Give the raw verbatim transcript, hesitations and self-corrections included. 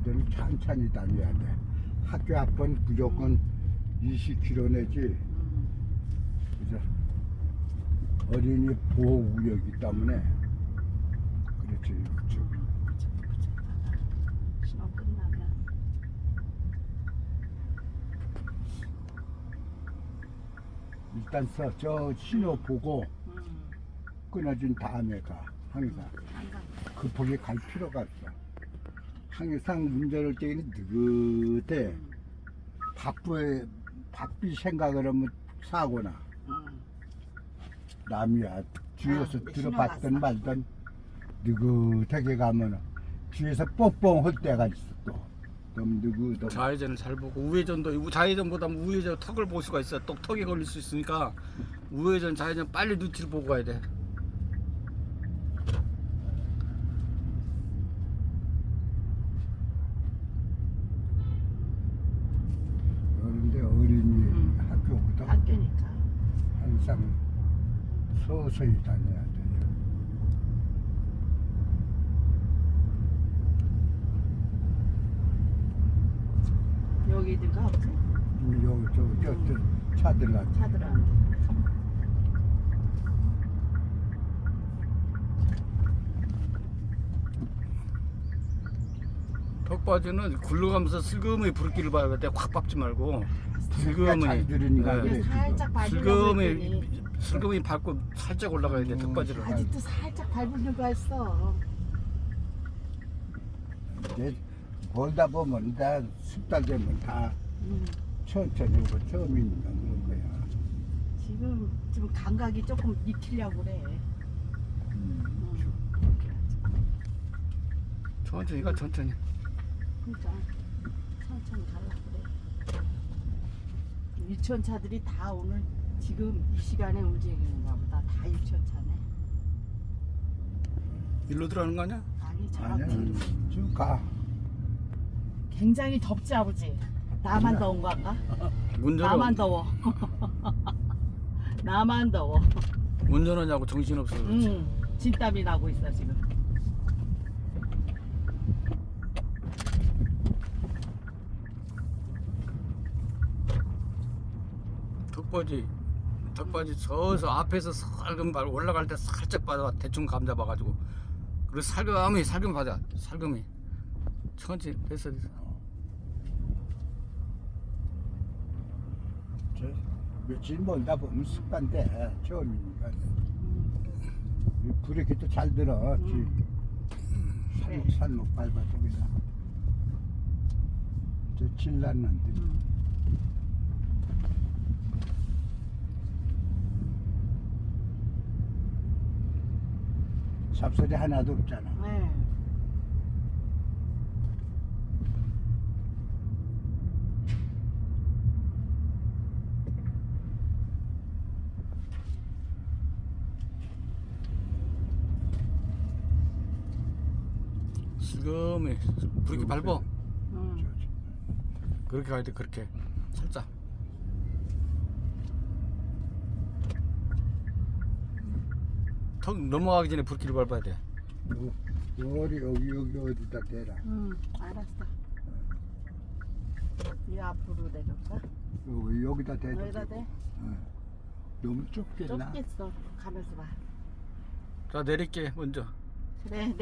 어린이들은 천천히 다녀야 돼. 학교 앞은 무조건 이십 킬로미터 내지. 음. 그래서 어린이 보호구역이기 때문에 그렇지. 그렇죠. 신호 끝나면 일단 서, 저 신호 보고 음. 끊어진 다음에 가. 항상 항상 급하게 갈 필요가 없어. 항상 운전할 때는 느긋해. 음. 바쁘에 바삐 생각을 하면 사고나. 음. 남이야 뒤에서 아, 들어봤든 신호 왔어. 말든 느긋하게 가면은 뒤에서 뽕뽕 할 때가 있어. 또 너무 느긋하고. 좌회전을 잘 보고 우회전도 좌회전보다 우회전 턱을 볼 수가 있어. 또 턱에 걸릴 수 있으니까 우회전 좌회전 빨리 눈치를 보고 가야 돼. 그런데 어린이 음. 학교보다 학교니까 항상 서서히 다녀야 돼요. 여기든가 없지? 여기 저, 저, 저 차들 같은. 차들은 턱받이는 굴러가면서 슬그머니 불길을 봐야 돼. 확 밟지 말고 잘 슬그머니 들으니까 네. 그래. 그냥 살짝 밟으려고 슬그머니 했더니 슬그머니 밟고 살짝 올라가야 돼. 음. 턱받이를. 아직도 살짝 밟으려고 했어. 이제 벌다 보면 다 습달 되면 다 음. 천천히 오고 처음이니까 그런 거야. 지금 지금 감각이 조금 익히려고 그래. 음. 음. 그렇게 하지. 천천히 가 천천히. 그러니까 천천히 가려고 그래. 유치원 차들이 다 오늘 지금 이 시간에 움직이는가 보다. 다 유치원 차네. 일로 들어가는 거 아니야? 아니 저 아니야, 앞으로. 쭉 가. 굉장히 덥지 아버지. 나만 아니야. 더운 건가? 운전을 나만 더워. 나만 더워. 운전하냐고 정신 없어. 응. 진땀이 나고 있어 지금. 턱받이 턱받이 서서 앞에서 살금 발 올라갈 때 살짝 받아 대충 감 잡아가지고 그리고 살금이 살금 받아 살금이 천천히 됐어 됐어. 저 며칠 멀다 보면 습관돼. 처음이니까. 이 브레이크도 잘 들어. 음. 살목 살목 밟아도 그냥. 저 질났는데. 음. 잡소리 하나도 없잖아. 네. 슬금이 그렇게 밟아. 음. 그렇게 가야 돼. 그렇게 살짝. 턱 넘어가기 전에 불길을 밟아야 돼. 요, 요리 여기 여기 어디다 대라. 음. 알았어. 이 앞으로 내려가. 여기 여기다 대도 여기다 되고. 대. 어. 너무 좁겠나? 좁겠어. 가면서 봐. 자 내릴게 먼저. 그래.